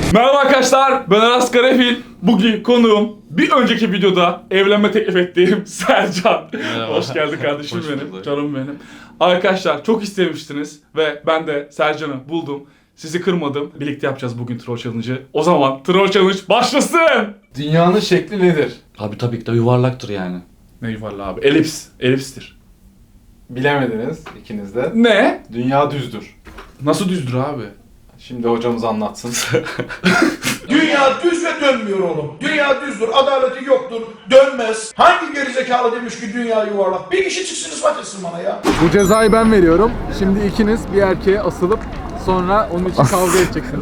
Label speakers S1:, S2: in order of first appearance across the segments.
S1: Merhaba arkadaşlar, ben Aras Karafil. Bugün konuğum bir önceki videoda evlenme teklif ettiğim Sercan.
S2: Merhaba.
S1: Hoş geldin kardeşim
S2: Hoş
S1: benim,
S2: bulduk.
S1: canım benim. Arkadaşlar çok istemiştiniz ve ben de Sercan'ı buldum. Sizi kırmadım. Birlikte yapacağız bugün Troll Challenge'ı. O zaman Troll Challenge başlasın!
S3: Dünyanın şekli nedir?
S2: Abi tabii ki de yuvarlaktır yani.
S1: Ne yuvarlı abi? Elips. Elipstir.
S3: Bilemediniz ikiniz de.
S1: Ne?
S3: Dünya düzdür.
S1: Nasıl düzdür abi?
S3: Şimdi hocamız anlatsın.
S4: Dünya düz ve dönmüyor oğlum. Dünya düzdür, adaleti yoktur, dönmez. Hangi gerizekalı demiş ki dünya yuvarlak? Bir kişi çıksın ispat etsin bana ya.
S5: Bu cezayı ben veriyorum. Şimdi ikiniz bir erkeğe asılıp sonra onun için kavga edeceksiniz.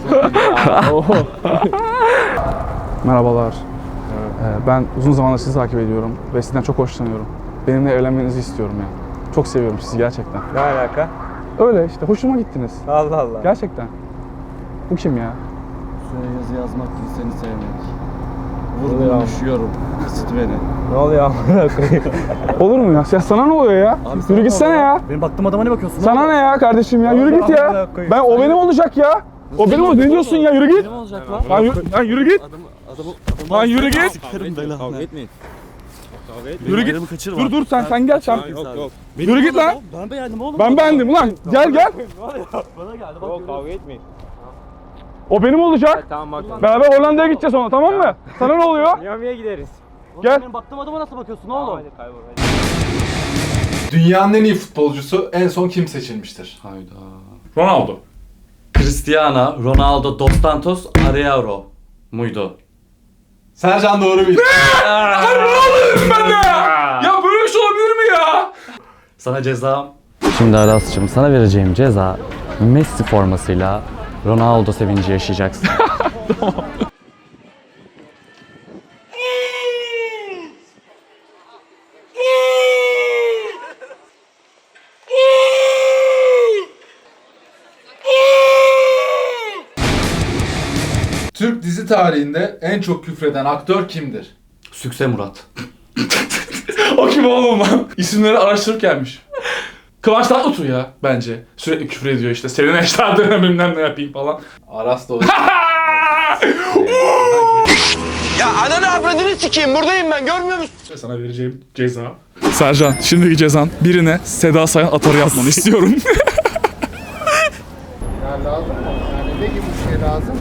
S5: Merhabalar. Ben uzun zamandır sizi takip ediyorum ve sizden çok hoşlanıyorum. Benimle evlenmenizi istiyorum ya. Çok seviyorum sizi gerçekten.
S6: Ne alaka?
S5: Öyle işte hoşuma gittiniz.
S6: Allah Allah.
S5: Gerçekten. Bu kim ya?
S7: Şuraya yazı yazmak değil, seni sevmek.
S6: Oluyor.
S7: Vur düşüyorum. Isıt beni.
S6: Ne oluyor amına koyayım?
S5: Olur mu ya? Sana ne oluyor ya?
S7: Abi
S5: Yürü gitsene ya.
S7: Benim baktığım adama ne bakıyorsun?
S5: Sana ne ya kardeşim ya? Yürü git ya.
S6: Amına koyayım.
S5: Ben o benim olacak ya. O benim olacak. Ne diyorsun ya? Yürü git.
S7: Ne olacak lan?
S5: Lan yürü git. Lan yürü git.
S7: Sikerim belanı. Kavga etmeyin.
S5: Yürü git.
S7: Ayrımı kaçırma.
S5: Dur sen gel sen. Yürü git lan.
S7: Ben beğendim oğlum.
S5: Ben beğendim ulan. Gel.
S7: Bana geldi bak.
S6: Yok kavga etmeyin.
S5: O benim olacak.
S6: Tamam bak.
S5: Beraber Hollanda'ya gideceğiz sonra, tamam mı? Sana ne oluyor?
S6: Miami'ye gideriz.
S5: Gel.
S7: Benim baktığım adama nasıl bakıyorsun oğlum?
S6: Hadi kaybol.
S3: Dünyanın en iyi futbolcusu en son kim seçilmiştir?
S2: Hayda.
S1: Ronaldo.
S2: Cristiano Ronaldo dos Santos Aveiro muydu?
S3: Sercan doğru bildi.
S1: Ronaldo dedim ben de ya! Ya böyle bir şey olabilir mi ya?
S2: Sana cezam. Şimdi Aras'cığım sana vereceğim ceza Messi formasıyla Ronaldo sevinci yaşayacaksın.
S3: Türk dizi tarihinde en çok küfreden aktör kimdir?
S2: Sükse Murat.
S1: O kim oğlum lan? İsimleri araştırıp gelmiş. Kıvanç Tatlıtuğ ya bence. Sürekli küfür ediyor işte. Senin eşler dönemimden ne yapayım falan.
S3: Aras doğru.
S4: Ya ananı avradını sikeyim, buradayım ben, görmüyor musun?
S1: Sana vereceğim ceza. Sercan, şimdiki cezan birine Seda Sayan atarı yapmanı istiyorum.
S5: Ya lazım mı? Yani ne gibi bir şey lazım?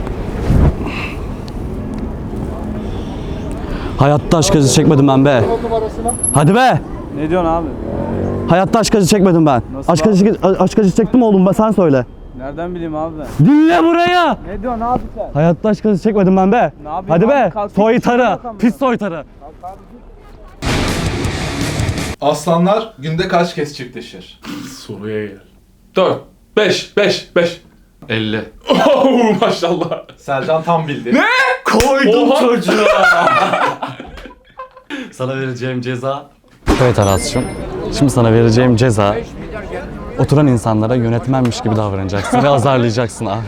S7: Hayatta aşk acısı çekmedim ben be.
S5: Numarasına.
S7: Hadi be.
S6: Ne diyorsun abi?
S7: Hayatta aşk acısı çekmedim ben.
S6: Nasıl
S7: Aşk acısı çektim oğlum sen söyle.
S6: Nereden bileyim abi ben?
S7: Dinle buraya.
S6: Ne diyorsun abi sen?
S7: Hayatta aşk acısı çekmedim ben be.
S6: Ne yapayım
S7: Hadi
S6: abi?
S7: be.
S6: Kalk git,
S7: Soytarı.
S6: bakalım
S7: Pis
S6: ya.
S7: soytarı.
S3: Aslanlar günde kaç kez çiftleşir?
S1: Soruya gel. 4, 5.
S2: 50.
S1: Oh maşallah.
S3: Sercan tam bildi.
S1: Ne?
S2: Koydum
S1: Oha.
S2: çocuğa. Sana vereceğim ceza. Evet Aras'cığım. Şimdi sana vereceğim ceza oturan insanlara yönetmenmiş gibi davranacaksın ve azarlayacaksın abi.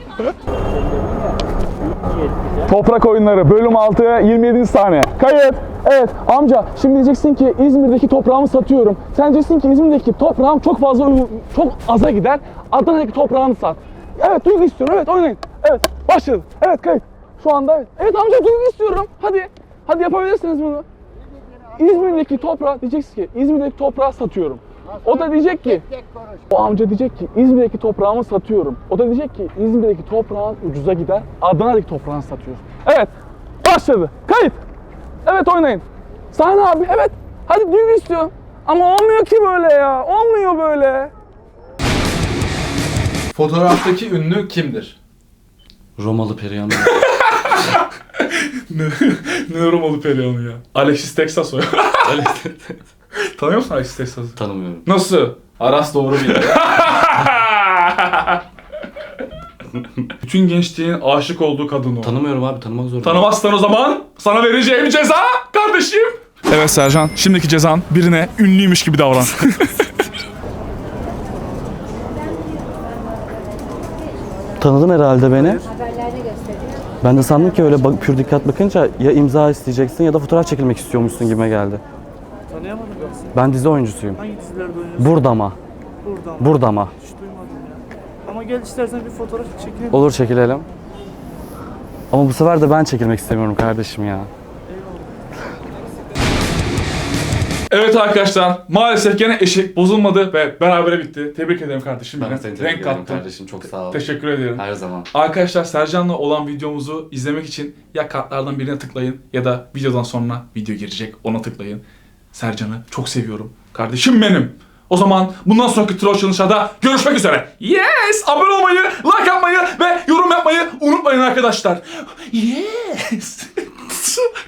S5: Toprak Oyunları bölüm 6 27. saniye. Kayıt. Evet amca şimdi diyeceksin ki İzmir'deki toprağımı satıyorum. Sen diyeceksin ki İzmir'deki toprağım çok fazla çok aza gider. Adana'daki toprağını sat. Evet duygu istiyorum. Evet oynayın. Evet başladı. Evet kayıt. Şu anda evet. Evet amca duygu istiyorum. Hadi. Hadi yapabilirsiniz bunu. İzmir'deki toprağı diyeceksin ki İzmir'deki toprağı satıyorum. O da diyecek ki o amca diyecek ki İzmir'deki toprağımı satıyorum. O da diyecek ki İzmir'deki toprağın ucuza gider. Adana'daki toprağını satıyorsun. Evet. Başladı. Kayıt. Evet oynayın. Sahne abi evet. Hadi duygu istiyorum. Ama olmuyor ki böyle ya. Olmuyor böyle.
S3: Fotoğraftaki ünlü kimdir?
S2: Romalı Perihan.
S1: Ne Romalı Perihan'ı ya? Alexis Texas o ya. Tanıyor musun Alexis Texas'ı?
S2: Tanımıyorum.
S1: Nasıl?
S3: Aras doğru bildi.
S1: Bütün gençliğin aşık olduğu kadın o.
S2: Tanımıyorum abi, tanımak zorunda.
S1: Tanımazsan o zaman sana vereceğim ceza kardeşim. Evet Sercan, şimdiki cezan birine ünlüymüş gibi davran.
S7: Tanıdın herhalde beni.
S8: Haberlerde gösteriyor.
S7: Ben de sandım ki öyle pür dikkat bakınca ya imza isteyeceksin ya da fotoğraf çekilmek istiyormuşsun gibime geldi.
S6: Tanıyamadım ben seni.
S7: Ben dizi oyuncusuyum.
S6: Hangi dizilerde oynuyorsun?
S7: Burada mı?
S6: Buradan.
S7: Burada mı?
S6: Hiç duymadım ya. Ama gel istersen bir fotoğraf çekelim.
S7: Olur çekilelim. Ama bu sefer de ben çekilmek istemiyorum kardeşim ya.
S1: Evet arkadaşlar, maalesef gene eşek bozulmadı ve berabere bitti. Tebrik ederim kardeşim.
S2: Ben
S1: Yine
S2: de seni
S1: renk
S2: tebrik ederim
S1: kattın.
S2: kardeşim. Çok sağ ol.
S1: Teşekkür ederim.
S2: Her zaman.
S1: Arkadaşlar, Sercan'la olan videomuzu izlemek için ya kartlardan birine tıklayın ya da videodan sonra video girecek, ona tıklayın. Sercan'ı çok seviyorum. Kardeşim benim. O zaman bundan sonraki troll challenge'da görüşmek üzere. Yes! Abone olmayı, like atmayı ve yorum yapmayı unutmayın arkadaşlar. Yes!